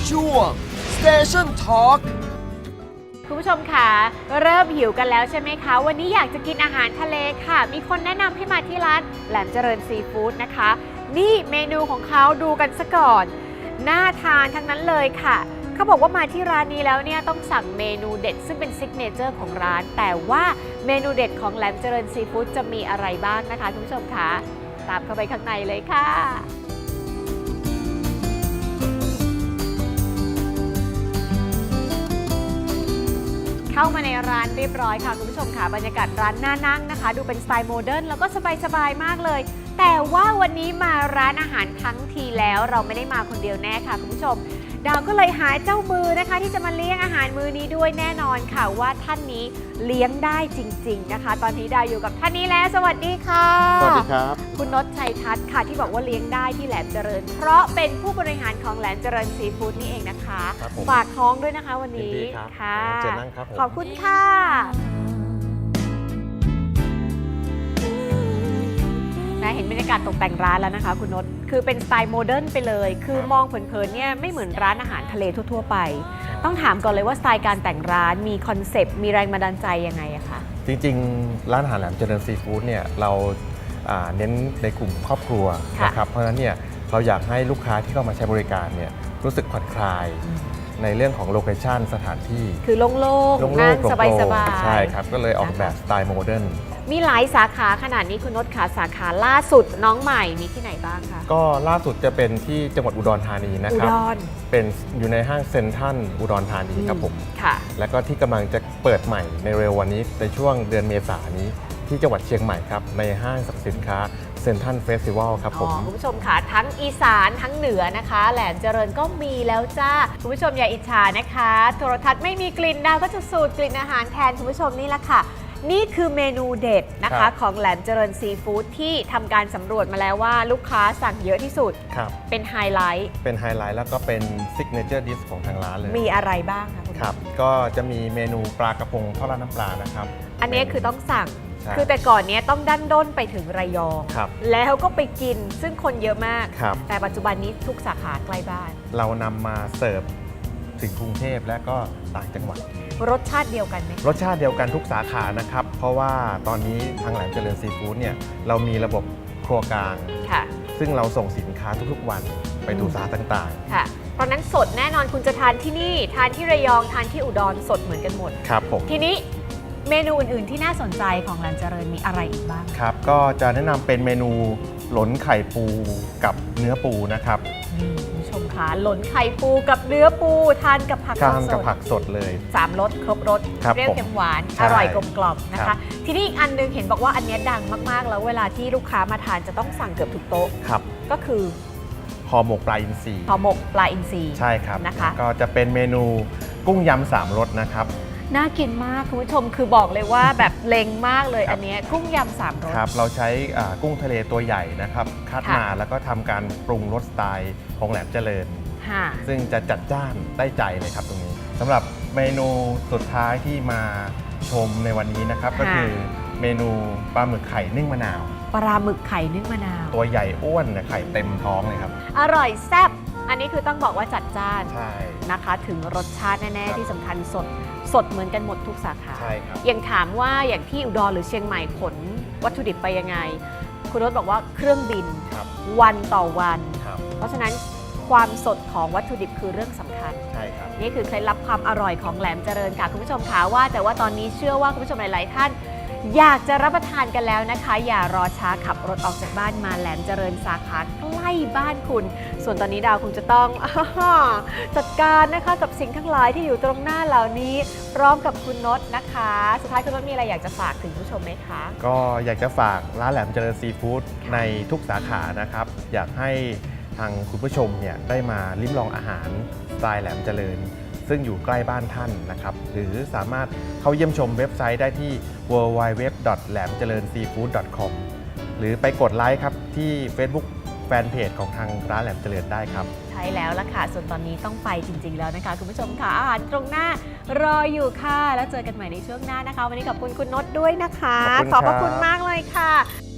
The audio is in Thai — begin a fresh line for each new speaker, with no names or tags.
ช่วง Station Talk
คุณผู้ชมค่ะเริ่มหิวกันแล้วใช่ไหมคะวันนี้อยากจะกินอาหารทะเลค่ะมีคนแนะนำให้มาที่ร้านแหลมเจริญซีฟู้ดนะคะนี่เมนูของเขาดูกันซะก่อนน่าทานทั้งนั้นเลยค่ะเขาบอกว่ามาที่ร้านนี้แล้วเนี่ยต้องสั่งเมนูเด็ดซึ่งเป็นซิกเนเจอร์ของร้านแต่ว่าเมนูเด็ดของแหลมเจริญซีฟู้ดจะมีอะไรบ้างนะคะคุณผู้ชมคะตามเข้าไปข้างในเลยค่ะเข้ามาในร้านเรียบร้อยค่ะคุณผู้ชมค่ะบรรยากาศร้านน่านั่งนะคะดูเป็นสไตล์โมเดิร์นแล้วก็สบายๆมากเลยแต่ว่าวันนี้มาร้านอาหารทั้งทีแล้วเราไม่ได้มาคนเดียวแน่ค่ะคุณผู้ชมดาวก็เลยหาเจ้ามือนะคะที่จะมาเลี้ยงอาหารมื้อนี้ด้วยแน่นอนค่ะว่าท่านนี้เลี้ยงได้จริงๆนะคะตอนนี้ดาวอยู่กับท่านนี้แล้วสวัสดีค่ะ
สวัสดีครับ
คุณนชชัยทัศน์ค่ะที่บอกว่าเลี้ยงได้ที่แหลมเจริญเพราะเป็นผู้บริหารของแหลมเจริญซีฟู้ดนี่เองนะคะฝากท้องด้วยนะคะวันนี้
ค่ะเจนั่งครับ
ขอบคุณค่ะเห็นบรรยากาศตกแต่งร้านแล้วนะคะคุณนชคือเป็นสไตล์โมเดิร์นไปเลยคือมองเผินๆเนี่ยไม่เหมือนร้านอาหารทะเลทั่วๆไปต้องถามก่อนเลยว่าสไตล์การแต่งร้านมีคอนเซปต์มีแรงบันดาลใจยังไงอะคะ
จริงๆร้านอาหารแหลมเจริญซีฟู้ดเนี่ยเราเน้นในกลุ่มครอบครัวนะครับเพราะฉะนั้นเนี่ยเราอยากให้ลูกค้าที่เข้ามาใช้บริการเนี่ยรู้สึกผ่อนคลายในเรื่องของโลเคชั่นสถานที่
คือโล่งๆนั่งสบายๆ
ใช่ครับก็เลยออกแบบสไตล์โมเดิร์น
มีหลายสาขาขนาดนี้คุณนชขาสาขาล่าสุดน้องใหม่มีที่ไหนบ้างคะ
ก็ล่าสุดจะเป็นที่จังหวัดอุดรธานีนะครับเป็นอยู่ในห้างเซ็นทรัลอุดรธานีครับผม
ค่ะ
แล้วก็ที่กำลังจะเปิดใหม่ในเร็ววันนี้ในช่วงเดือนเมษายนนี้ที่จังหวัดเชียงใหม่ครับในห้างสรรพสินค้าเซ็นทรัลเฟสติวัลครับผม
คุณผู้ชมค่ะทั้งอีสานทั้งเหนือนะคะแหลมเจริญก็มีแล้วจ้าคุณผู้ชมอย่าอิจฉานะคะโทรทัศน์ไม่มีกลิ่นดาวก็จะสูตรกลิ่นอาหารแทนคุณผู้ชมนี่แหละค่ะนี่คือเมนูเด็ดนะคะของแหลมเจริญซีฟู้ดที่ทำการสำรวจมาแล้วว่าลูกค้าสั่งเยอะที่สุดเป็นไฮไลท์
แล้วก็เป็นซิกเนเจอร์ดิชของทางร้านเลย
มีอะไรบ้างคะคุณ
ครับก็จะมีเมนูปลากระพงทอดราดน้ำปลานะครับ
อันนี้คือต้องสั่งคือแต่ก่อนนี้ต้องดั้นด้นไปถึงระยองแล้วก็ไปกินซึ่งคนเยอะมากแต่ปัจจุบันนี้ทุกสาขาใกล้บ้าน
เรานำมาเสิร์ฟถึงกรุงเทพและก็ต่างจังหวัด
รสชาติเดียวกันไหม
รสชาติเดียวกันทุกสาขานะครับเพราะว่าตอนนี้ทางแหลมเจริญซีฟู้ดเนี่ยเรามีระบบครัวกลางซึ่งเราส่งสินค้าทุกๆวันไปดูสาขาต่าง
ๆค่ะเพราะนั้นสดแน่นอนคุณจะทานที่นี่ทานที่ระยองทานที่อุดรสดเหมือนกันหมด
ครับผม
ทีนี้เมนูอื่นๆที่น่าสนใจของแหลมเจริญมีอะไรอีกบ้าง
ครับก็จะแนะนำเป็นเมนูหลนไข่ปูกับเนื้อปูนะครับ
คุณผู้ชมคะหลนไข่ปูกับเนื้อปูทานกับผัก
สดเลย
3รสครบรสเปรี้ยวเค็มหวานอร่อยกลมกล่อมนะคะทีนี้อีกอันนึงเห็นบอกว่าอันนี้ดังมากๆแล้วเวลาที่ลูกค้ามาทานจะต้องสั่งเกือบทุกโต๊ะก็คือ
ห่อหมกปลาอินทรี
ใ
ช่ครับ
นะคะ
ก็จะเป็นเมนูกุ้งยำ3รสนะครับ
น่ากินมากคุณผู้ชมคือบอกเลยว่าแบบเล็งมากเลยอันนี้กุ้งยำ3รส
ครับเราใช้กุ้งทะเลตัวใหญ่นะครับคัดมาแล้วก็ทำการปรุงรสสไตล์ของแหลมเจริญซึ่งจะจัดจ้านได้ใจเลยครับตรงนี้สำหรับเมนูสุดท้ายที่มาชมในวันนี้นะครับก็คือเมนูปลาหมึกไข่นึ่งมะนาว
ปลาหมึกไข่นึ่งมะนาว
ตัวใหญ่อ้วนไข่เต็มท้องเลยครับ
อร่อยแซ่บอันนี้คือต้องบอกว่าจัดจ้าน
ใช่
นะคะถึงรสชาติแน่ๆที่สำคัญสดเหมือนกันหมดทุกสาขา
ใช่ครับ
อย่างถามว่าอย่างที่อุดรหรือเชียงใหม่ขนวัตถุดิบไปยังไงคุณรถบอกว่าเครื่องบินวันต่อวันเพราะฉะนั้นความสดของวัตถุดิบคือเรื่องสำคัญ
ใช่ครับ
นี่คือเคล็ดลับความอร่อยของแหลมเจริญค่ะคุณผู้ชมคะว่าแต่ว่าตอนนี้เชื่อว่าคุณผู้ชมหลายๆท่านอยากจะรับประทานกันแล้วนะคะอย่ารอช้าขับรถออกจากบ้านมาแหลมเจริญสาขาใกล้บ้านคุณส่วนตอนนี้ดาวคงจะต้องจัดการนะคะกับสิ่งทั้งหลายที่อยู่ตรงหน้าเหล่านี้พร้อมกับคุณนชนะคะสุดท้ายคุณนชมีอะไรอยากจะฝากถึงผู้ชมไหมคะ
ก็อยากจะฝากร้านแหลมเจริญซีฟู้ดในทุกสาขานะครับอยากให้ทางคุณผู้ชมเนี่ยได้มาลิ้มลองอาหารสไตล์แหลมเจริญซึ่งอยู่ใกล้บ้านท่านนะครับหรือสามารถเข้าเยี่ยมชมเว็บไซต์ได้ที่ www.lamjalernsseafood.com หรือไปกดไลค์ครับที่ Facebook แฟนเพจของทางร้านแหลมเจริญได้ครับ
ใช่แล้วล่ะค่ะส่วนตอนนี้ต้องไปจริงๆแล้วนะคะคุณผู้ชมค่ะอาหารตรงหน้ารออยู่ค่ะแล้วเจอกันใหม่ในช่วงหน้านะคะวันนี้ขอบคุณคุณนชด้วยนะคะขอบพระคุณมากเลยค่ะ